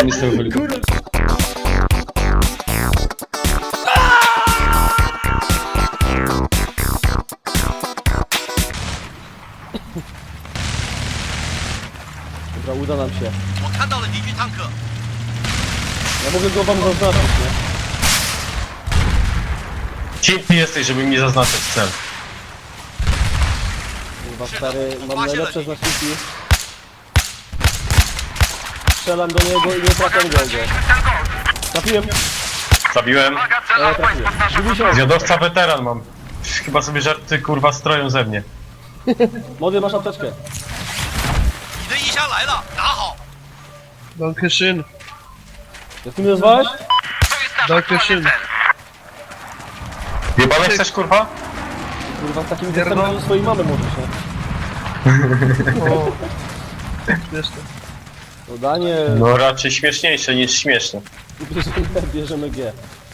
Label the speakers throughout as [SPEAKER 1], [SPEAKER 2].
[SPEAKER 1] mi z tego helikoptera.
[SPEAKER 2] Dobra, uda nam się. Ja mogę go wam zaznaczyć, nie?
[SPEAKER 1] Cięty jesteś, żeby mi zaznaczyć cel.
[SPEAKER 2] Kurwa stary, mam najlepsze znaczniki. Strzelam do niego i nie trafiam go. Trafiłem.
[SPEAKER 1] Zabiłem.
[SPEAKER 2] Trafiłem. Gubi się.
[SPEAKER 1] Zjadowca weteran mam. Chyba sobie żarty kurwa stroją ze mnie.
[SPEAKER 2] Młody, masz apteczkę.
[SPEAKER 3] Dankeschön.
[SPEAKER 2] Jak ty mnie nazwałeś?
[SPEAKER 3] Dankeschön.
[SPEAKER 1] Jebane chcesz kurwa?
[SPEAKER 2] Kurwa, z takim gestem do swojej mamy możesz, nie?
[SPEAKER 3] O. Wiesz to.
[SPEAKER 2] No Daniel,
[SPEAKER 1] No raczej śmieszniejsze niż śmieszne.
[SPEAKER 2] bierzemy G.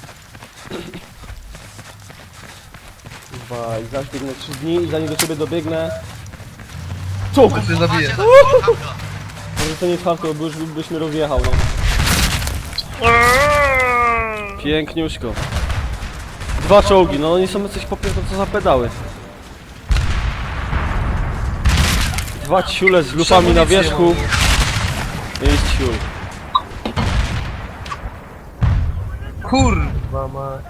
[SPEAKER 2] Kurwa, i zaś biegnę 3 dni i zanim do ciebie dobiegnę... Co?
[SPEAKER 3] To się zabije.
[SPEAKER 2] Może to nie warto, bo już byś mnie rozjechał, no. Piękniuśko. 2 czołgi, no oni są coś popierdolone, co za pedały. 2 ciule z lufami na wierzchu. Jest ciul.
[SPEAKER 3] Kurwa mać.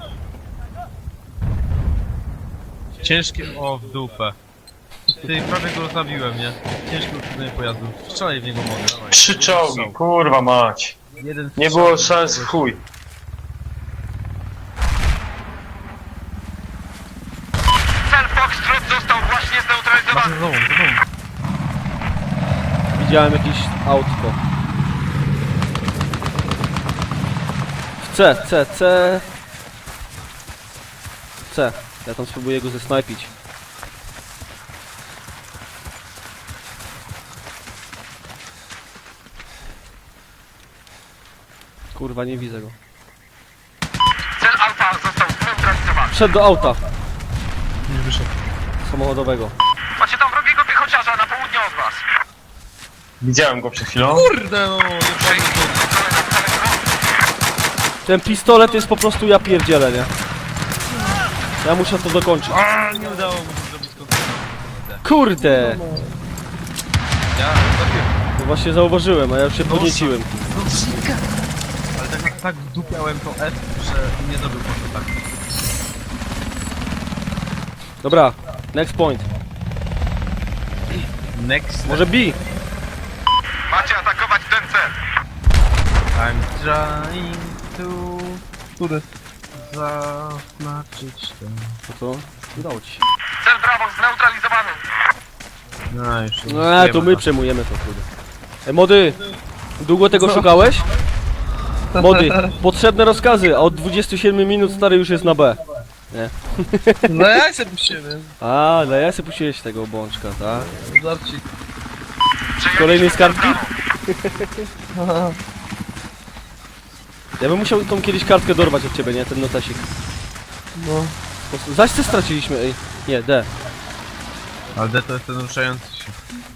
[SPEAKER 4] Ciężkie... O, w dupę. Ty, prawie go zabiłem, nie? Ciężkie uszkodzenie pojazdu. Strzelaj w niego mogę, dawaj.
[SPEAKER 1] 3 czołgi, kurwa mać.
[SPEAKER 4] Jeden
[SPEAKER 1] Nie
[SPEAKER 4] strzał.
[SPEAKER 1] było szans w chuj.
[SPEAKER 5] Cel Foxtrot został właśnie zneutralizowany.
[SPEAKER 4] Za tobą, za tobą.
[SPEAKER 2] Widziałem jakieś autko. W C. C. Ja tam spróbuję go zesnajpić. Kurwa, nie widzę go.
[SPEAKER 5] Cel Alfa został zneutralizowany.
[SPEAKER 2] Wszedł do auta
[SPEAKER 4] Nie wyszedł.
[SPEAKER 2] samochodowego.
[SPEAKER 5] Macie tam wrogiego piechociarza na południe od was.
[SPEAKER 1] Widziałem go przed chwilą.
[SPEAKER 4] Kurde no, nie padł.
[SPEAKER 2] Ten pistolet jest po prostu ja pierdzielę, nie? Ja muszę to dokończyć.
[SPEAKER 4] A, nie udało mi się zrobić kontroli.
[SPEAKER 2] Kurde!
[SPEAKER 4] Ja zabiłem.
[SPEAKER 2] No właśnie zauważyłem, a ja już się podnieciłem.
[SPEAKER 4] Ale tak wdupiałem to F, że nie zrobił po prostu tak.
[SPEAKER 2] Dobra, next point.
[SPEAKER 4] Next.
[SPEAKER 2] Może B?
[SPEAKER 5] Macie atakować ten cel.
[SPEAKER 4] I'm trying to...
[SPEAKER 3] Który?
[SPEAKER 4] Zaznaczyć ten...
[SPEAKER 2] No to udało ci się.
[SPEAKER 5] Cel Bravo zneutralizowany.
[SPEAKER 4] No już.
[SPEAKER 2] No to my przejmujemy to, kurde. Mody, długo tego szukałeś? Mody, potrzebne rozkazy, a od 27 minut stary już jest na B. Nie.
[SPEAKER 3] No ja się puściłem.
[SPEAKER 2] A, no ja sobie puściłeś tego bączka, tak?
[SPEAKER 3] Żarcik.
[SPEAKER 2] Kolejnej skarbki?
[SPEAKER 3] Haha.
[SPEAKER 2] Ja bym musiał tą kiedyś kartkę dorwać od ciebie, nie? Ten notesik.
[SPEAKER 3] No.
[SPEAKER 2] Zaś co straciliśmy, ej. Nie, D.
[SPEAKER 4] Ale D to jest ten ruszający się.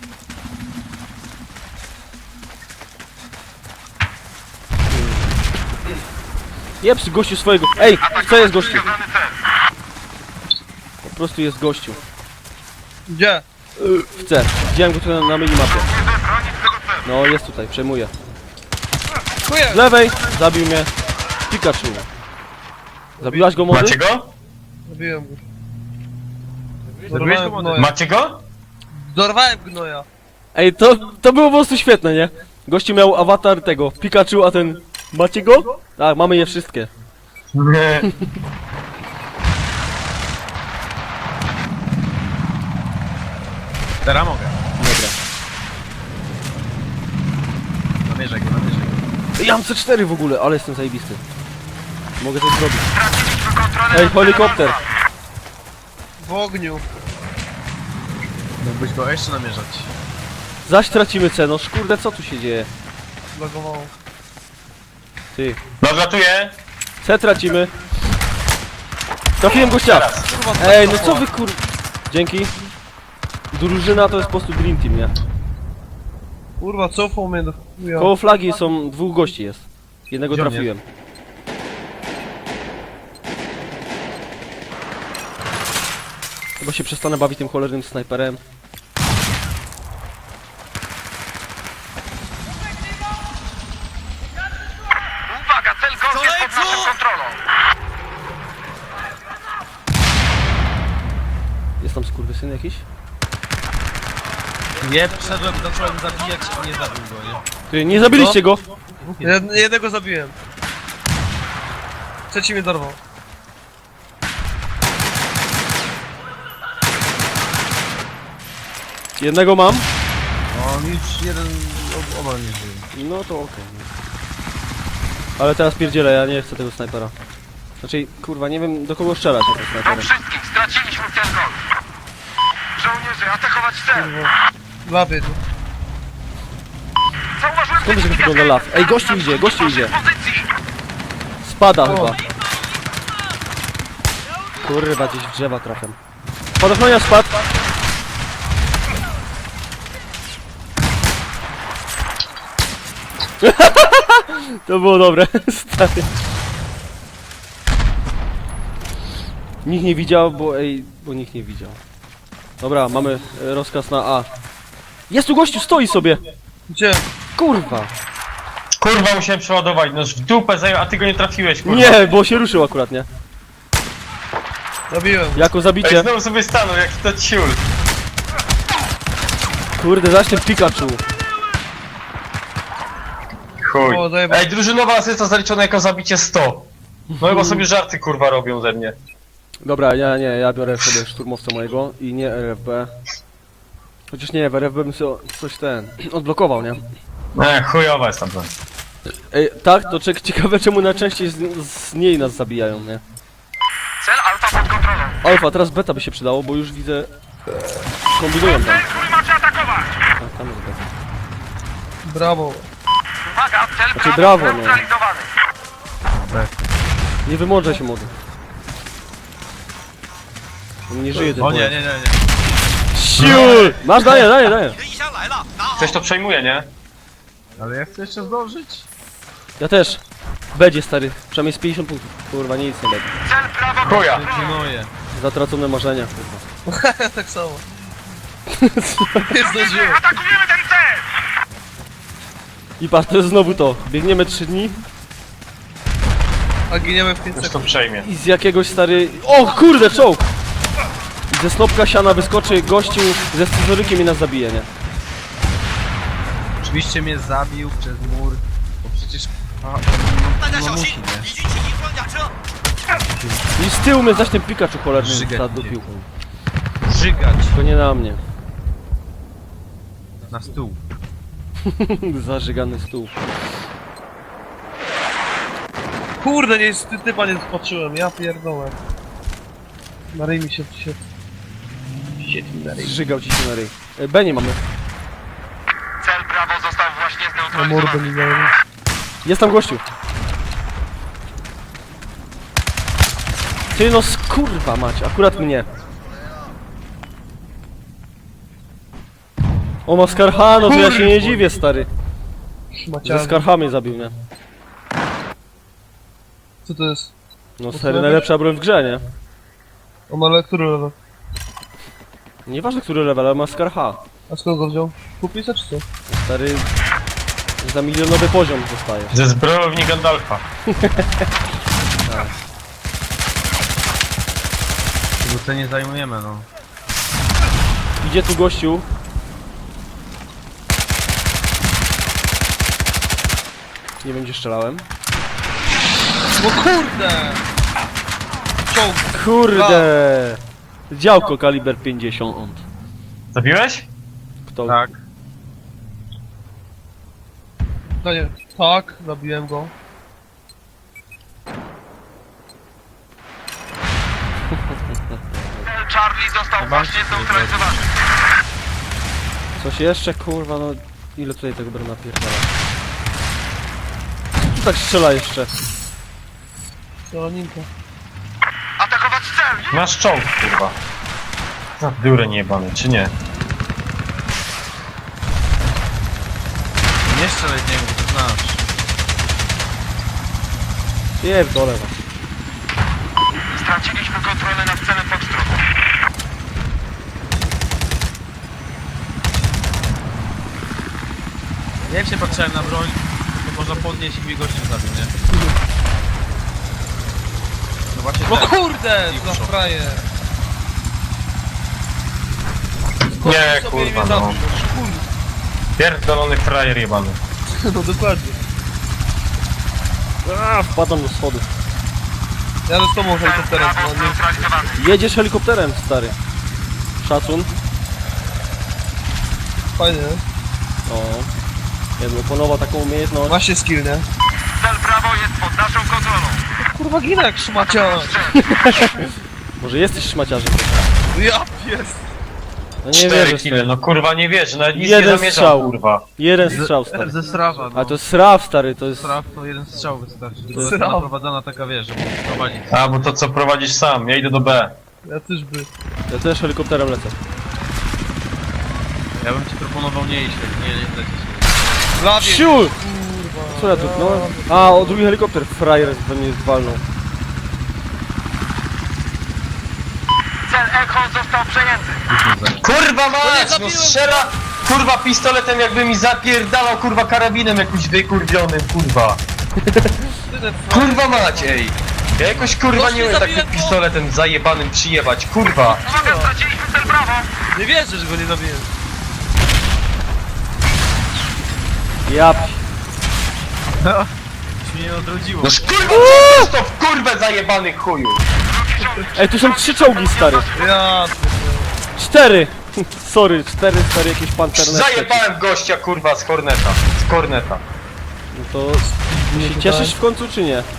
[SPEAKER 2] Jeps, gościu swojego. Ej, co jest gościu?
[SPEAKER 5] Zneutralizowany cel.
[SPEAKER 2] Po prostu jest gościu.
[SPEAKER 3] Gdzie?
[SPEAKER 2] W C. Widziałem go tutaj na minimapie.
[SPEAKER 5] Nie bronić tego celu.
[SPEAKER 2] No, jest tutaj, przejmuję.
[SPEAKER 3] Chuja!
[SPEAKER 2] Z lewej, zabił mnie. Pikachu. Zabiłaś go, młody?
[SPEAKER 1] Macie go?
[SPEAKER 3] Zabiłem go.
[SPEAKER 4] Zabiłeś go,
[SPEAKER 3] Dorwałem
[SPEAKER 4] młody?
[SPEAKER 3] gnoja.
[SPEAKER 1] Macie go?
[SPEAKER 3] Dorwałem gnoja.
[SPEAKER 2] Ej, to było po prostu świetne, nie? Gościu miał awatar tego, Pikachu, a ten... Macie go? Tak, mamy je wszystkie.
[SPEAKER 1] Nie.
[SPEAKER 4] Teraz mogę.
[SPEAKER 2] Dobra.
[SPEAKER 4] Namierzaj go, namierzaj go.
[SPEAKER 2] Ej, ja mam C4 w ogóle, ale jestem zajebisty. Mogę coś zrobić.
[SPEAKER 5] Straciliśmy kontrolę
[SPEAKER 2] Ej,
[SPEAKER 5] nad
[SPEAKER 2] helikopter.
[SPEAKER 5] celem Alfa.
[SPEAKER 3] W ogniu.
[SPEAKER 4] Mógłbyś go jeszcze namierzać.
[SPEAKER 2] Zaś tracimy C, no kurde, co tu się dzieje?
[SPEAKER 3] Zlagowało.
[SPEAKER 2] Ty.
[SPEAKER 1] Nadlatuję.
[SPEAKER 2] C tracimy. Trafiłem gościa. Ej, no co wy kur... Dzięki. Drużyna to jest po prostu Dream Team, nie?
[SPEAKER 3] Kurwa, cofał mnie do... Jo.
[SPEAKER 2] Koło flagi są dwóch gości jest. Jednego
[SPEAKER 4] Gdzie on
[SPEAKER 2] trafiłem. Chyba się przestanę bawić tym cholernym snajperem.
[SPEAKER 5] Uwaga, cel Golf jest pod naszą kontrolą.
[SPEAKER 2] Jest tam skurwysyn jakiś?
[SPEAKER 4] Nie, wszedłem, zacząłem zabijać i nie zabił go, nie?
[SPEAKER 2] Ty, nie zabiliście go!
[SPEAKER 3] Jednego zabiłem. Trzeci mnie dorwał.
[SPEAKER 2] Jednego mam.
[SPEAKER 4] On już jeden oba nie żyje.
[SPEAKER 2] No to okej. Ale teraz pierdzielę, ja nie chcę tego snajpera. Znaczy, kurwa, nie wiem do kogo strzelać tym
[SPEAKER 5] Do
[SPEAKER 2] snajperem.
[SPEAKER 5] wszystkich, straciliśmy cel Golf. Żołnierze, atakować cel.
[SPEAKER 3] Labię tu.
[SPEAKER 5] Zauważyłem
[SPEAKER 2] Skąd się wygląda law? Ej, gościu idzie, gościu idzie.
[SPEAKER 5] pozycji.
[SPEAKER 2] Spada chyba. Kurwa, gdzieś w drzewa trafiam. Spadochroniarz spadł. To było dobre, stary. Nikt nie widział, bo nikt nie widział. Dobra, mamy rozkaz na A. Jest tu gościu, stoi sobie!
[SPEAKER 3] Gdzie?
[SPEAKER 2] Kurwa!
[SPEAKER 1] Kurwa, musiałem przeładować, no w dupę zajął, a ty go nie trafiłeś, kurwa.
[SPEAKER 2] Nie, bo się ruszył akurat, nie?
[SPEAKER 3] Zabiłem.
[SPEAKER 2] Jako
[SPEAKER 1] Ej,
[SPEAKER 2] zabicie.
[SPEAKER 1] znowu sobie stanął, jaki to ciul.
[SPEAKER 2] Kurde, zaś ten Pikachu.
[SPEAKER 1] Chuj.
[SPEAKER 3] O, zajebał.
[SPEAKER 1] Ej, drużynowa asysta zaliczona jako zabicie 100. No chyba sobie żarty, kurwa, robią ze mnie.
[SPEAKER 2] Dobra, ja biorę sobie szturmowca mojego i nie RFB. Chociaż nie, w RFB bym sobie coś odblokował, nie?
[SPEAKER 1] Chujowa jest tam broń.
[SPEAKER 2] Ej, tak, to ciekawe czemu najczęściej z niej nas zabijają, nie?
[SPEAKER 5] Cel Alfa pod kontrolą.
[SPEAKER 2] Alfa, teraz beta by się przydało, bo już widzę... Kombinują tam.
[SPEAKER 5] Cel, który macie atakować.
[SPEAKER 2] A, tam jest beta.
[SPEAKER 3] Brawo.
[SPEAKER 5] Uwaga, cel
[SPEAKER 2] Znaczy, brawo, no.
[SPEAKER 5] zneutralizowany.
[SPEAKER 2] Nie wymądrzaj się, młody. On nie żyje ten
[SPEAKER 4] O nie,
[SPEAKER 2] pojazd.
[SPEAKER 4] nie, nie, nie.
[SPEAKER 2] Siul! Masz, daję.
[SPEAKER 1] Ktoś to przejmuje, nie?
[SPEAKER 4] Ale ja chcę jeszcze zdążyć.
[SPEAKER 2] Ja też. Będzie, stary. Przynajmniej z 50 punktów. Kurwa, nic nie będzie.
[SPEAKER 5] Cel prawo
[SPEAKER 1] Chuja.
[SPEAKER 4] Pilnuję.
[SPEAKER 2] Zatracone marzenia, kurwa.
[SPEAKER 3] Ja tak samo. Nie zdążyłem.
[SPEAKER 5] Atakujemy ten cel.
[SPEAKER 2] I patrz, to jest znowu to. Biegniemy 3 dni
[SPEAKER 3] A giniemy w 5
[SPEAKER 1] Ktoś to
[SPEAKER 3] sekund.
[SPEAKER 1] przejmie.
[SPEAKER 2] i z jakiegoś stary... O kurde, czołg! I ze snopka siana wyskoczy gościu ze scyzorykiem i nas zabije, nie?
[SPEAKER 4] Oczywiście mnie zabił przez mur. Bo przecież... no musi, nie?
[SPEAKER 2] I z tyłu mnie zaś ten Pikachu cholerny
[SPEAKER 4] Żygać
[SPEAKER 2] zadupił.
[SPEAKER 4] Żygać
[SPEAKER 2] To nie na mnie.
[SPEAKER 4] na stół.
[SPEAKER 2] Zażygany stół.
[SPEAKER 3] Kurde, nie, typa nie spatrzyłem, ja pierdolę. Na ryj mi się świetli na ryj.
[SPEAKER 2] Zżygał ci się na ryj. B nie mamy.
[SPEAKER 5] Cel prawo został właśnie
[SPEAKER 3] Na mordę
[SPEAKER 5] zneutralizowany.
[SPEAKER 3] mi dałem.
[SPEAKER 2] Jest tam gościu. Ty no skurwa mać, akurat mnie. O ma Skarhano, to ja się nie dziwię, stary. Ze
[SPEAKER 3] Szmaciarny.
[SPEAKER 2] Skarhamy zabił mnie.
[SPEAKER 3] Co to jest?
[SPEAKER 2] No stary, najlepsza broń w grze, nie?
[SPEAKER 3] On ale który level?
[SPEAKER 2] Nieważne który level, ale ma Skarha.
[SPEAKER 3] A skąd go wziął? Kupica czy co?
[SPEAKER 2] Stary... Za milionowy poziom dostaje.
[SPEAKER 1] Ze zbrojowni Gandalfa.
[SPEAKER 4] Tego co nie zajmujemy, no.
[SPEAKER 2] Idzie tu gościu. Nie będzie strzelałem.
[SPEAKER 3] No kurde! Czołg!
[SPEAKER 2] Kurde! Działko kaliber 50.
[SPEAKER 1] Zabiłeś?
[SPEAKER 2] Kto?
[SPEAKER 4] Tak.
[SPEAKER 3] No nie. Tak, zabiłem go.
[SPEAKER 5] Cel Charlie został właśnie zneutralizowany.
[SPEAKER 2] Coś jeszcze? Kurwa, no... Ile tutaj tego będę napierdala? Tu tak strzela jeszcze.
[SPEAKER 3] Strzelaninka.
[SPEAKER 5] Atakować cel.
[SPEAKER 1] Masz czołg, kurwa. Za biurę niebany, czy nie?
[SPEAKER 4] Nie strzelaj w niego, bo to znasz.
[SPEAKER 2] Pierdolę was.
[SPEAKER 5] Straciliśmy kontrolę nad celem Foxtrot.
[SPEAKER 4] Jak się patrzyłem na broń, to można podnieść i mi gościu zabił, nie? No właśnie
[SPEAKER 3] No
[SPEAKER 4] ten.
[SPEAKER 3] kurde,
[SPEAKER 4] I
[SPEAKER 3] za
[SPEAKER 4] uszło.
[SPEAKER 3] frajer.
[SPEAKER 1] Nie,
[SPEAKER 3] Sobie
[SPEAKER 1] kurwa,
[SPEAKER 3] mnie
[SPEAKER 1] no.
[SPEAKER 3] zabił, kurde.
[SPEAKER 1] Pierdolony frajer jebany.
[SPEAKER 3] No dokładnie.
[SPEAKER 2] Wpadam do schodów.
[SPEAKER 3] Jadę z tobą helikopterem,
[SPEAKER 5] Brawo
[SPEAKER 3] no nie.
[SPEAKER 5] zneutralizowany.
[SPEAKER 2] Jedziesz helikopterem, stary. Szacun.
[SPEAKER 3] Fajnie, nie?
[SPEAKER 2] O. Jedno, ponowa taką umiejętność.
[SPEAKER 3] Właśnie skill, nie?
[SPEAKER 5] Cel Brawo jest pod naszą kontrolą.
[SPEAKER 3] Kurwa ginę jak szmacia.
[SPEAKER 2] Może jesteś szmaciarzem.
[SPEAKER 3] Ja pies.
[SPEAKER 2] No nie
[SPEAKER 1] 4
[SPEAKER 2] wierzę,
[SPEAKER 1] kile,
[SPEAKER 2] stary.
[SPEAKER 1] no kurwa nie wiesz, nawet nic
[SPEAKER 2] Jeden
[SPEAKER 1] nie zamierzam,
[SPEAKER 2] strzał.
[SPEAKER 1] kurwa.
[SPEAKER 2] Jeden strzał, stary.
[SPEAKER 4] Ze strawa, no.
[SPEAKER 2] A to jest SRAW, stary, to jest...
[SPEAKER 4] Straf to jeden strzał wystarczy. To jest
[SPEAKER 3] Straw.
[SPEAKER 4] naprowadzona taka, wiesz, żeby prowadzić.
[SPEAKER 1] A, bo to co prowadzisz sam, ja idę do B.
[SPEAKER 3] Ja też by.
[SPEAKER 2] Ja też helikopterem lecę.
[SPEAKER 4] Ja bym ci proponował nie iść, nie lecieć.
[SPEAKER 3] Lawie.
[SPEAKER 2] Siul!
[SPEAKER 3] Kurwa.
[SPEAKER 2] Co ja dupnąłem? A, o drugi helikopter, frajer we mnie walnął.
[SPEAKER 5] Cel Echo został przejęty.
[SPEAKER 1] Kurwa mać, no
[SPEAKER 3] zabiłem
[SPEAKER 1] strzela, kurwa pistoletem jakby mi zapierdalał, kurwa karabinem jakimś wykurwionym, kurwa. Kurwa mać, ej. Ja jakoś kurwa
[SPEAKER 3] Gość
[SPEAKER 1] nie
[SPEAKER 3] nie
[SPEAKER 1] umiem
[SPEAKER 3] zabiłem,
[SPEAKER 1] takim
[SPEAKER 3] bo-
[SPEAKER 1] pistoletem zajebanym przyjebać, kurwa.
[SPEAKER 5] Uwaga, straciliśmy cel Brawo.
[SPEAKER 3] Nie wierzę, że go nie zabiję.
[SPEAKER 2] Ja...
[SPEAKER 4] Już mnie nie odrodziło.
[SPEAKER 1] No kurwa, co to w kurwę zajebany chuju.
[SPEAKER 2] Ej, tu są 3 czołgi, stary.
[SPEAKER 3] Ja
[SPEAKER 2] 4! Sorry, 4 stary, jakieś panterne.
[SPEAKER 1] Zajebałem gościa, kurwa, z Horneta. Z Corneta.
[SPEAKER 2] No to... Się cieszysz w końcu, czy nie?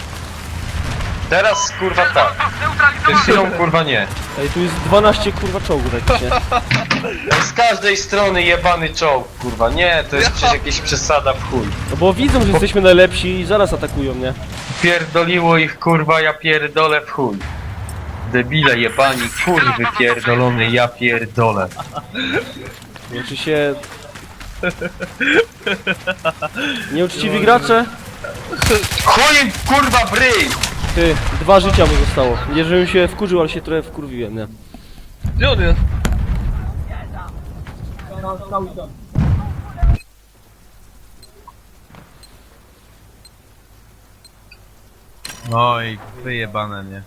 [SPEAKER 1] Teraz kurwa tak.
[SPEAKER 5] Został
[SPEAKER 1] Przed
[SPEAKER 5] zneutralizowany.
[SPEAKER 1] chwilą kurwa nie.
[SPEAKER 2] Ej, tu jest 12 kurwa czołgów jakichś, nie?
[SPEAKER 1] Z każdej strony jebany czołg, kurwa. Nie, to jest przecież jakieś przesada w chuj.
[SPEAKER 2] No bo widzą, że jesteśmy najlepsi i zaraz atakują, nie?
[SPEAKER 1] Pierdoliło ich, kurwa, ja pierdolę w chuj. Debile jebani, kurwy pierdolony, ja pierdolę.
[SPEAKER 2] Znaczy się... Nieuczciwi gracze?
[SPEAKER 1] Chuj, kurwa, bryj!
[SPEAKER 2] Ty, 2 życia mu zostało. Nie, żebym się wkurzył, ale się trochę wkurwiłem, nie?
[SPEAKER 3] Gdzie on jest?
[SPEAKER 4] No i wyjebane, nie?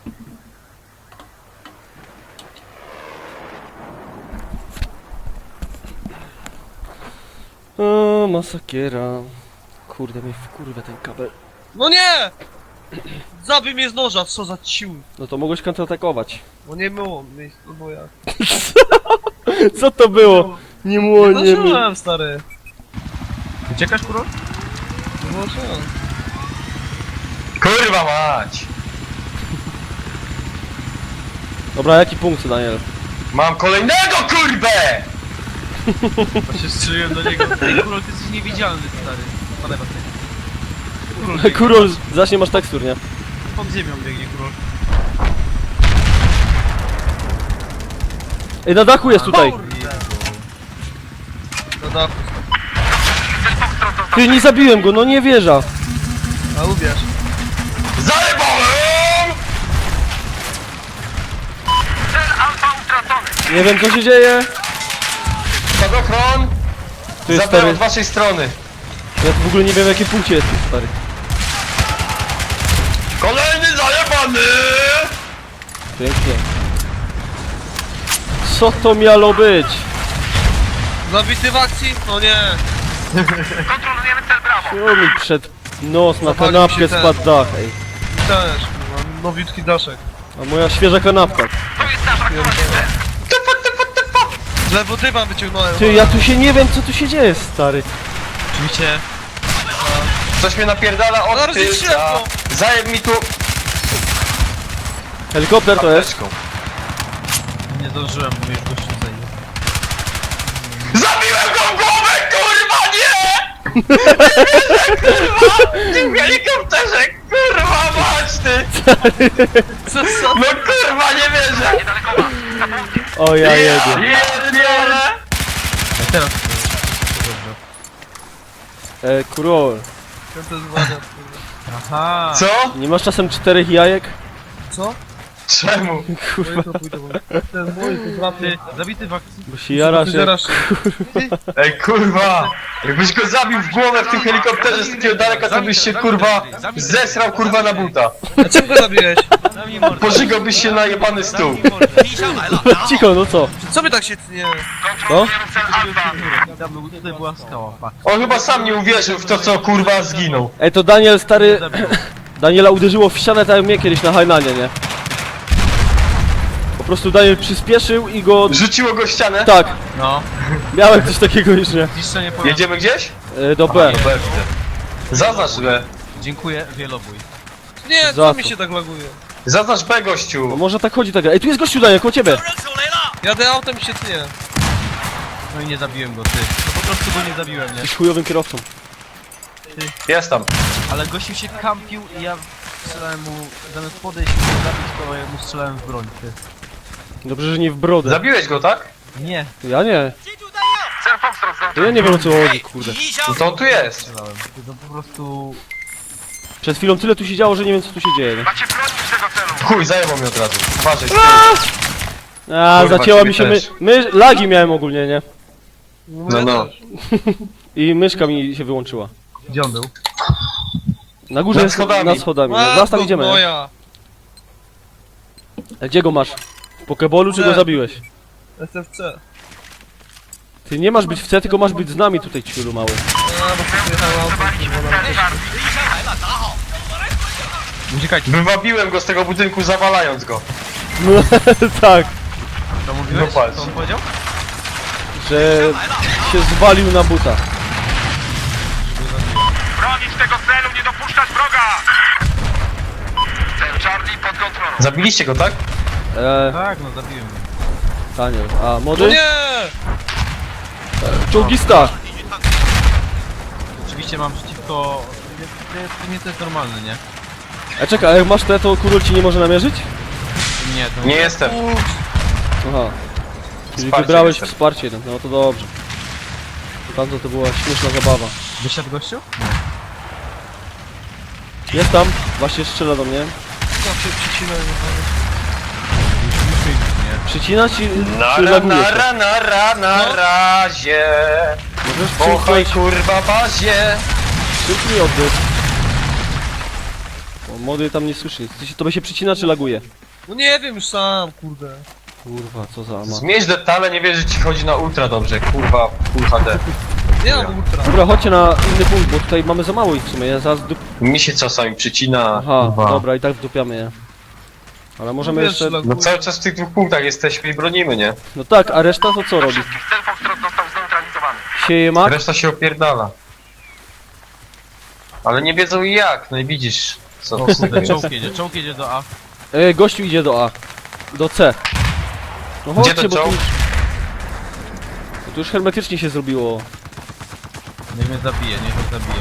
[SPEAKER 2] O, masakiera. Kurde, mnie wkurwia ten kabel.
[SPEAKER 3] No nie! Zabij mnie z noża, co za ciul.
[SPEAKER 2] No to mogłeś kontratakować.
[SPEAKER 3] No nie było miejsca, no bo ja.
[SPEAKER 2] Co to było? Nie było,
[SPEAKER 3] No
[SPEAKER 2] nie
[SPEAKER 3] żyłem, stary.
[SPEAKER 4] Uciekasz, kurwa?
[SPEAKER 3] No żyłem.
[SPEAKER 1] Kurwa mać!
[SPEAKER 2] Dobra, jaki punkt, Daniel?
[SPEAKER 1] Mam kolejnego, kurwę!
[SPEAKER 4] Właśnie strzeliłem do niego. Ej, kurwa, ty jesteś niewidzialny, stary. Padaj, padaj.
[SPEAKER 2] Kurol, zacznie masz tekstur, nie?
[SPEAKER 4] Pod ziemią biegnie, kurwa.
[SPEAKER 2] Ej, na dachu jest tutaj!
[SPEAKER 3] No dachu.
[SPEAKER 2] Ty, nie zabiłem go, no nie wierzę!
[SPEAKER 3] A ubierz.
[SPEAKER 1] Zajebałem!
[SPEAKER 5] Cel Alfa utracony.
[SPEAKER 2] Nie wiem, co się dzieje.
[SPEAKER 1] Spadochron!
[SPEAKER 2] Tu jest
[SPEAKER 1] Zabrałem
[SPEAKER 2] stary.
[SPEAKER 1] od waszej strony.
[SPEAKER 2] Ja w ogóle nie wiem, w jakim punkcie jesteś, stary.
[SPEAKER 1] Kolejny zajebany!
[SPEAKER 2] Pięknie. Co to miało być?
[SPEAKER 3] Zabity w akcji? No nie.
[SPEAKER 5] Kontrolujemy cel Brawo.
[SPEAKER 2] Co mi przed nos na
[SPEAKER 3] Zapalił
[SPEAKER 2] kanapkę
[SPEAKER 3] się ten.
[SPEAKER 2] spadł dach, ej.
[SPEAKER 3] Też, kurwa, nowiutki daszek.
[SPEAKER 2] A moja świeża kanapka.
[SPEAKER 5] To jest nasz aktualny cel.
[SPEAKER 3] Z lewo dywan wyciągnąłem.
[SPEAKER 2] Ty, ja tu się nie wiem, co tu się dzieje, stary.
[SPEAKER 4] Oczywiście.
[SPEAKER 1] Coś mnie napierdala od
[SPEAKER 3] Zaraz ich
[SPEAKER 1] tylca.
[SPEAKER 3] ślepną.
[SPEAKER 1] Zajeb mi tu
[SPEAKER 2] Helikopter to jest.
[SPEAKER 1] apteczką.
[SPEAKER 4] Nie zdążyłem, bo już gościu zajęł.
[SPEAKER 1] Zabiłem go w głowę, kurwa, nie! Nie wierzę, kurwa! Ty w helikopterze, kurwa, mać ty!
[SPEAKER 3] Co?
[SPEAKER 1] No kurwa, nie wierzę!
[SPEAKER 5] Niedaleko was. Na południe.
[SPEAKER 2] O ja jedę.
[SPEAKER 1] Pierdolę!
[SPEAKER 4] Ej, teraz to dobrze.
[SPEAKER 2] Kurol,
[SPEAKER 3] Ten to jest wariat, kurwa.
[SPEAKER 4] Aha!
[SPEAKER 1] Co?
[SPEAKER 2] nie masz czasem 4 jajek?
[SPEAKER 3] Co?
[SPEAKER 1] Czemu?
[SPEAKER 2] Kurwa,
[SPEAKER 3] To pójdę, bo to jest mój, to
[SPEAKER 4] Ty,
[SPEAKER 3] złapie.
[SPEAKER 4] zabity w akcji.
[SPEAKER 2] bo się jara się.
[SPEAKER 3] Zarasz.
[SPEAKER 1] Ej, kurwa! Jakbyś go zabił w głowę w tym helikopterze z takiego daleka, to byś się, kurwa, zesrał, kurwa, na buta.
[SPEAKER 3] A czemu go zabiłeś?
[SPEAKER 4] Zamknij mordę.
[SPEAKER 1] Pożygałbyś się na jebany stół.
[SPEAKER 4] Zamknij mordę.
[SPEAKER 2] Cicho, no co?
[SPEAKER 3] Co by tak się... Nie...
[SPEAKER 2] No?
[SPEAKER 4] Tam tutaj była skała, patrz.
[SPEAKER 1] On chyba sam nie uwierzył w to, co, kurwa, zginął.
[SPEAKER 2] Ej, to Daniel, stary... Daniela uderzyło w ścianę tak jak mnie kiedyś na Hainanie, nie? Po prostu Daniel przyspieszył i go...
[SPEAKER 1] Rzuciło go w ścianę?
[SPEAKER 2] Tak,
[SPEAKER 4] No,
[SPEAKER 2] miałem coś takiego już, nie?
[SPEAKER 4] zniszczenie pojazdu.
[SPEAKER 1] Jedziemy gdzieś?
[SPEAKER 2] Do B.
[SPEAKER 1] No pewnie. Zaznacz B.
[SPEAKER 4] Dziękuję, wielobój.
[SPEAKER 3] Nie,
[SPEAKER 2] Za
[SPEAKER 3] co mi
[SPEAKER 2] co?
[SPEAKER 3] się tak laguje?
[SPEAKER 1] Zaznacz B,
[SPEAKER 2] No
[SPEAKER 1] gościu.
[SPEAKER 2] może tak chodzi tak. Ej, tu jest gościu Daniel, koło ciebie!
[SPEAKER 3] Jadę autem i się tnie.
[SPEAKER 4] No i nie zabiłem go, ty. No po prostu go nie zabiłem, nie?
[SPEAKER 2] Jesteś chujowym kierowcą.
[SPEAKER 1] Jest tam.
[SPEAKER 4] Ale gościu się kampił i ja strzelałem mu, zamiast podejść i go zabić, to ja mu strzelałem w broń, ty.
[SPEAKER 2] Dobrze, że nie w brodę.
[SPEAKER 1] Zabiłeś go, tak?
[SPEAKER 4] Nie,
[SPEAKER 2] Ja nie.
[SPEAKER 5] Cel Foxtrot
[SPEAKER 2] To ja nie wiem o co chodzi, kurde.
[SPEAKER 1] No to on tu jest.
[SPEAKER 4] strzelałem. Ty, to po prostu...
[SPEAKER 2] Przed chwilą tyle tu się działo, że nie wiem co tu się dzieje, nie?
[SPEAKER 5] Macie bronić tego celu.
[SPEAKER 1] Chuj, zajebał mnie od razu. Uważaj, z tyłu.
[SPEAKER 2] A,
[SPEAKER 1] Kurwa,
[SPEAKER 2] zacięła
[SPEAKER 1] ciebie
[SPEAKER 2] mi się
[SPEAKER 1] też.
[SPEAKER 2] lagi miałem ogólnie, nie?
[SPEAKER 1] No, no.
[SPEAKER 2] I myszka mi się wyłączyła.
[SPEAKER 4] Gdzie on był?
[SPEAKER 2] Na górze
[SPEAKER 1] Nad
[SPEAKER 2] jest
[SPEAKER 1] schodami.
[SPEAKER 2] nad schodami. No. Zaraz tam idziemy. Nie?
[SPEAKER 3] Moja.
[SPEAKER 2] A gdzie go masz? W Pokebolu czy go
[SPEAKER 3] Nie.
[SPEAKER 2] zabiłeś?
[SPEAKER 3] SFC.
[SPEAKER 2] Ty nie masz być w C, tylko masz być z nami tutaj, ciulu mały.
[SPEAKER 3] A, bo się przyjechał autem.
[SPEAKER 5] Cel Harvey.
[SPEAKER 4] Uciekajcie.
[SPEAKER 1] Wywabiłem go z tego budynku, zawalając go.
[SPEAKER 2] No, tak,
[SPEAKER 4] To mówiłeś?
[SPEAKER 1] No patrz.
[SPEAKER 4] Co on powiedział?
[SPEAKER 2] że się zwalił na buta.
[SPEAKER 5] Bronić tego celu, nie dopuszczać wroga. Cel Charlie pod kontrolą.
[SPEAKER 1] Zabiliście go, tak?
[SPEAKER 4] Tak, no zabiłem go.
[SPEAKER 2] Daniel. A,
[SPEAKER 3] No
[SPEAKER 2] młody?
[SPEAKER 3] nie!
[SPEAKER 2] Czołgista!
[SPEAKER 4] Oczywiście mam przeciwko... Nie, to jest normalne, nie?
[SPEAKER 2] A czekaj, a jak masz te, to kurol ci nie może namierzyć?
[SPEAKER 4] Nie, to
[SPEAKER 1] Nie jestem.
[SPEAKER 2] Aha. Czyli
[SPEAKER 1] Wsparcie
[SPEAKER 2] wybrałeś
[SPEAKER 1] jestem.
[SPEAKER 2] wsparcie, no to dobrze. Tamto to była śmieszna zabawa.
[SPEAKER 4] Wysiadł gościu?
[SPEAKER 2] Jest tam, właśnie strzela do mnie.
[SPEAKER 3] Zawsze przycinałem.
[SPEAKER 4] Muszę iść, nie?
[SPEAKER 2] Przycina ci, czy
[SPEAKER 1] Nara,
[SPEAKER 2] laguje się?
[SPEAKER 1] nara, na razie.
[SPEAKER 2] Możesz
[SPEAKER 1] Pochaj,
[SPEAKER 2] przymknąć,
[SPEAKER 1] kurwa, bazie.
[SPEAKER 2] przymknij oddech. O, młody tam nie słyszy nic. To by się przycina, czy laguje?
[SPEAKER 3] No nie wiem już sam, kurde.
[SPEAKER 2] Kurwa, co za ama.
[SPEAKER 1] Zmieść detale, nie wierzę, że ci chodzi na ultra dobrze, kurwa, full HD.
[SPEAKER 3] Nie mam ultra.
[SPEAKER 2] Dobra, chodźcie na inny punkt, bo tutaj mamy za mało ich w sumie. Ja zaraz
[SPEAKER 1] Mi się czasami przycina,
[SPEAKER 2] Aha,
[SPEAKER 1] kurwa.
[SPEAKER 2] dobra, i tak wdupiamy je. Ale możemy
[SPEAKER 3] Wiesz,
[SPEAKER 2] jeszcze...
[SPEAKER 3] laguje.
[SPEAKER 1] No cały czas w tych dwóch punktach jesteśmy i bronimy, nie?
[SPEAKER 2] No tak, a reszta to co robi?
[SPEAKER 5] Wszystkich cel Foxtrot został zneutralizowany.
[SPEAKER 2] Sieje mak?
[SPEAKER 1] Reszta się opierdala. Ale nie wiedzą jak, no i widzisz, co
[SPEAKER 4] O kurde, czołg jedzie do A.
[SPEAKER 2] Gościu idzie do A. Do C. No
[SPEAKER 1] Gdzie
[SPEAKER 2] chodźcie,
[SPEAKER 1] ten
[SPEAKER 2] bo tu
[SPEAKER 1] czołg?
[SPEAKER 2] już... Bo tu już hermetycznie się zrobiło.
[SPEAKER 4] Niech mnie zabije, niech mnie zabije.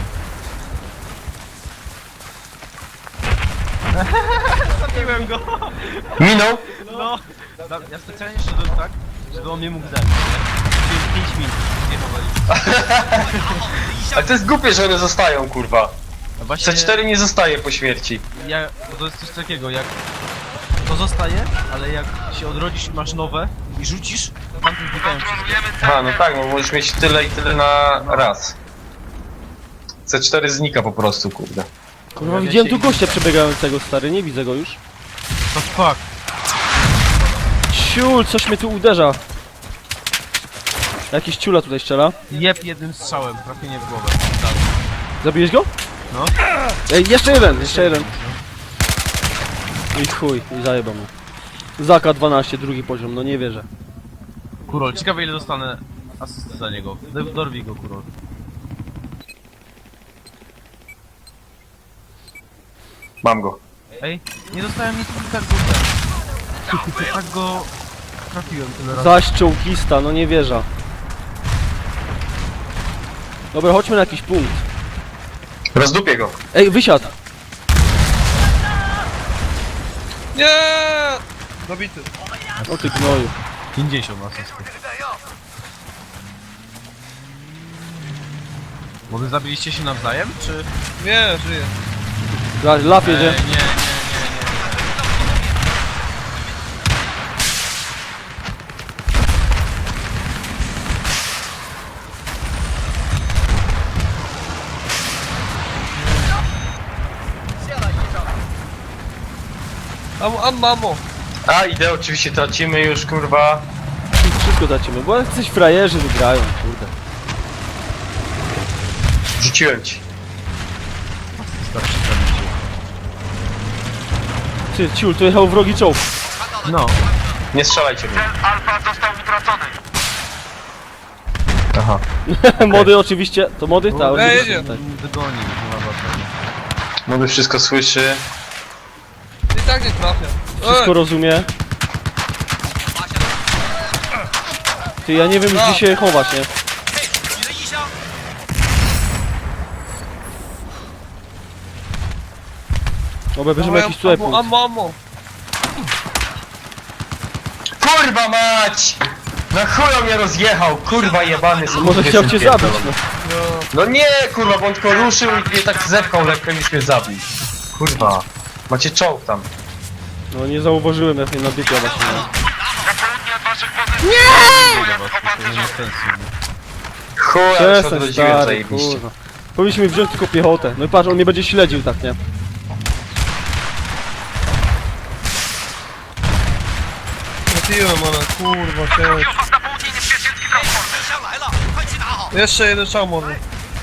[SPEAKER 4] Zabiłem go!
[SPEAKER 1] Minął?
[SPEAKER 4] No! Ja specjalnie szedłem tak, żeby on mnie mógł zabić, nie? Czyli 5 minut, nie powoli.
[SPEAKER 1] Ale to jest głupie, że one zostają, kurwa.
[SPEAKER 4] A właśnie,
[SPEAKER 1] C4 nie zostaje po śmierci.
[SPEAKER 4] bo to jest coś takiego, jak to zostaje, ale jak się odrodzisz i masz nowe i rzucisz, to tamtym znikają wszystkie.
[SPEAKER 5] Kontrolujemy cel.
[SPEAKER 1] A, no tak, no możesz mieć tyle i tyle na raz. C4 znika po prostu, kurde.
[SPEAKER 2] Kurwa,
[SPEAKER 4] Pojawia
[SPEAKER 2] widziałem
[SPEAKER 4] się
[SPEAKER 2] tu gościa przebiegającego, stary, nie widzę go już.
[SPEAKER 4] To fuck.
[SPEAKER 2] Ciul, coś mnie tu uderza. Jakiś ciula tutaj strzela.
[SPEAKER 4] Jeb jednym strzałem, trafienie w głowę. Tak.
[SPEAKER 2] Zabiłeś go?
[SPEAKER 4] No.
[SPEAKER 2] Ej, jeszcze jeden. I chuj, i zajebał mu. Zaka 12, drugi poziom, no nie wierzę.
[SPEAKER 4] Kurol, ciekawe ile dostanę asysty za niego. Dorwij go, Kurol.
[SPEAKER 1] Mam go.
[SPEAKER 4] Ej, nie dostałem nic i tak go tak go trafiłem tyle razy.
[SPEAKER 2] Zaś czołgista, no nie wierzę. Dobra, chodźmy na jakiś punkt.
[SPEAKER 1] Rozdupię go.
[SPEAKER 2] Ej, wysiadł!
[SPEAKER 3] Nie! Zabity.
[SPEAKER 2] O ty gnoju.
[SPEAKER 4] 50 asystów. Młody, zabiliście się nawzajem, czy...
[SPEAKER 3] Nie, żyję.
[SPEAKER 2] Laf jedzie.
[SPEAKER 4] nie.
[SPEAKER 3] Ammo.
[SPEAKER 1] A, idę, oczywiście tracimy już, kurwa.
[SPEAKER 2] Wszystko tracimy, bo jacyś frajerzy wygrają, kurde.
[SPEAKER 1] Rzuciłem ci.
[SPEAKER 4] Starczy zabicie.
[SPEAKER 2] Ty, ciul, tu jechał wrogi czołg.
[SPEAKER 4] No.
[SPEAKER 1] Nie strzelajcie mnie.
[SPEAKER 5] Cel Alfa został utracony.
[SPEAKER 1] Aha.
[SPEAKER 2] Mody oczywiście, to mody? Tak,
[SPEAKER 3] jedzie.
[SPEAKER 2] tak.
[SPEAKER 4] Wygonił, nie ma znaczenia.
[SPEAKER 1] Młody wszystko słyszy.
[SPEAKER 3] I tak nie trafia.
[SPEAKER 2] Wszystko rozumie. Ty, ja nie wiem gdzie się chować, nie? Dobra, bierzemy jakiś tutaj punkt.
[SPEAKER 3] Ammo.
[SPEAKER 1] Kurwa mać! Na chuja mnie rozjechał, kurwa jebany
[SPEAKER 2] Może chciał cię zabić, no.
[SPEAKER 1] No nie, kurwa, bo on tylko ruszył i mnie tak zepchał lekko i już mnie zabił. Kurwa. Macie czołg tam.
[SPEAKER 2] No nie zauważyłem jak mnie nabiegła właśnie. No.
[SPEAKER 5] Na południe od waszych pozycji.
[SPEAKER 4] To nie ma sensu.
[SPEAKER 1] Chuja, już
[SPEAKER 2] Przestań,
[SPEAKER 1] odrodziłem
[SPEAKER 2] stary,
[SPEAKER 1] zajebiście.
[SPEAKER 2] kurwa. Powinniśmy wziąć tylko piechotę. No i patrz, on mnie będzie śledził, tak, nie?
[SPEAKER 3] Trafiłem, ale kurwa cię.
[SPEAKER 5] Trafił was na południe niebieskiego transporter.
[SPEAKER 3] Jeszcze jeden strzał może.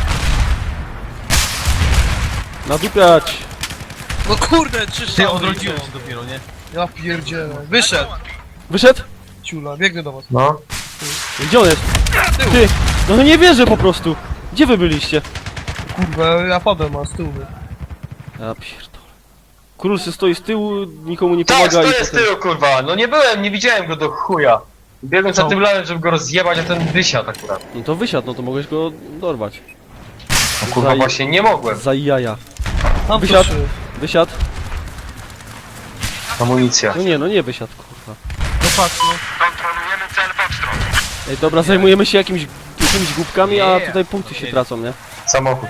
[SPEAKER 2] Nadupiać!
[SPEAKER 3] No kurde, 3
[SPEAKER 4] Ty
[SPEAKER 3] strzały.
[SPEAKER 4] odrodziłem się dopiero, nie?
[SPEAKER 3] Ja pierdzielę. Wyszedł.
[SPEAKER 2] Wyszedł?
[SPEAKER 3] Ciula, biegnie do was.
[SPEAKER 1] No.
[SPEAKER 2] Gdzie on jest? Ty! No nie wierzę po prostu! Gdzie wy byliście?
[SPEAKER 3] Kurwa, ja padłem, a z tyłu.
[SPEAKER 2] Ja pierdolę. Król se stoi z tyłu, nikomu nie
[SPEAKER 1] Tak,
[SPEAKER 2] pomaga i
[SPEAKER 1] stoję z
[SPEAKER 2] potem...
[SPEAKER 1] tyłu, kurwa. No nie byłem, nie widziałem go do chuja. Biegłem za tym lanem, żeby go rozjebać, a ten wysiadł akurat.
[SPEAKER 2] No to wysiadł, no to mogłeś go dorwać.
[SPEAKER 1] No kurwa, właśnie nie mogłem.
[SPEAKER 2] Za jaja.
[SPEAKER 3] Tam
[SPEAKER 2] Wysiadł.
[SPEAKER 3] proszę.
[SPEAKER 2] Wysiadł?
[SPEAKER 1] Amunicja.
[SPEAKER 2] No nie, no nie wysiadł, kurwa.
[SPEAKER 3] No patrz, no.
[SPEAKER 5] Kontrolujemy cel Foxtrot.
[SPEAKER 2] Ej, dobra, zajmujemy się jakimiś głupkami, a tutaj punkty się tracą, nie?
[SPEAKER 1] Samochód.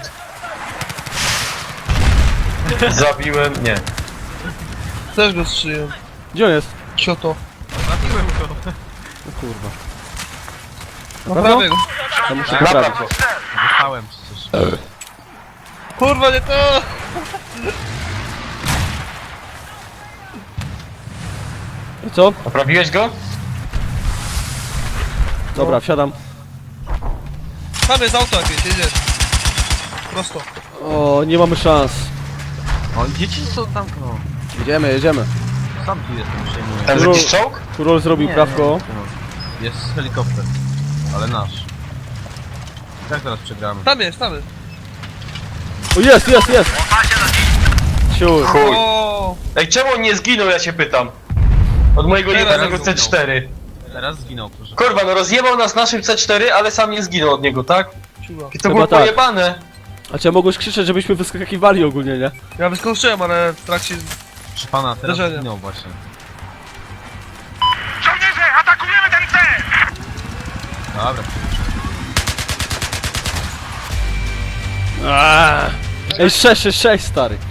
[SPEAKER 1] Zabiłem, nie.
[SPEAKER 3] Też go strzeliłem.
[SPEAKER 2] Gdzie on jest?
[SPEAKER 3] Cioto.
[SPEAKER 4] Zabiłem go.
[SPEAKER 2] No kurwa.
[SPEAKER 3] Naprawię go.
[SPEAKER 2] To muszę
[SPEAKER 1] Napraw
[SPEAKER 2] poprawić.
[SPEAKER 1] go.
[SPEAKER 4] Dostałem przecież.
[SPEAKER 3] Kurwa, nie to!
[SPEAKER 2] I co?
[SPEAKER 1] Naprawiłeś go?
[SPEAKER 2] Dobra, wsiadam.
[SPEAKER 3] Tam jest auto jakieś, jedzie. Prosto.
[SPEAKER 2] O, nie mamy szans.
[SPEAKER 4] O, dzieci są tam, no.
[SPEAKER 2] Jedziemy.
[SPEAKER 4] Sam tu jestem, przejmuję.
[SPEAKER 1] Tam jest jakiś czołg?
[SPEAKER 2] Kurol zrobił prawko.
[SPEAKER 4] No. Jest helikopter, ale nasz. Jak teraz przegramy?
[SPEAKER 3] Tam jest.
[SPEAKER 2] O, jest! Siur.
[SPEAKER 1] Chuj.
[SPEAKER 3] O,
[SPEAKER 1] Ej, czemu on nie zginął, ja się pytam? Od mojego
[SPEAKER 3] Teraz
[SPEAKER 1] jebanego
[SPEAKER 4] zginął.
[SPEAKER 1] C4.
[SPEAKER 4] Teraz zginął, proszę.
[SPEAKER 1] Kurwa, no rozjebał nas naszym C4, ale sam nie zginął od niego, tak?
[SPEAKER 3] ciula.
[SPEAKER 1] I to
[SPEAKER 2] Chyba
[SPEAKER 1] było
[SPEAKER 2] tak.
[SPEAKER 1] pojebane.
[SPEAKER 2] A cię mogłeś krzyczeć, żebyśmy wyskakiwali ogólnie, nie?
[SPEAKER 3] Ja wyskoczyłem, ale w trakcie...
[SPEAKER 4] Proszę pana, teraz
[SPEAKER 3] Zdarzenia.
[SPEAKER 4] zginął właśnie.
[SPEAKER 5] Żołnierze, atakujemy ten cel!
[SPEAKER 4] Dobra.
[SPEAKER 2] Ej, 6, stary.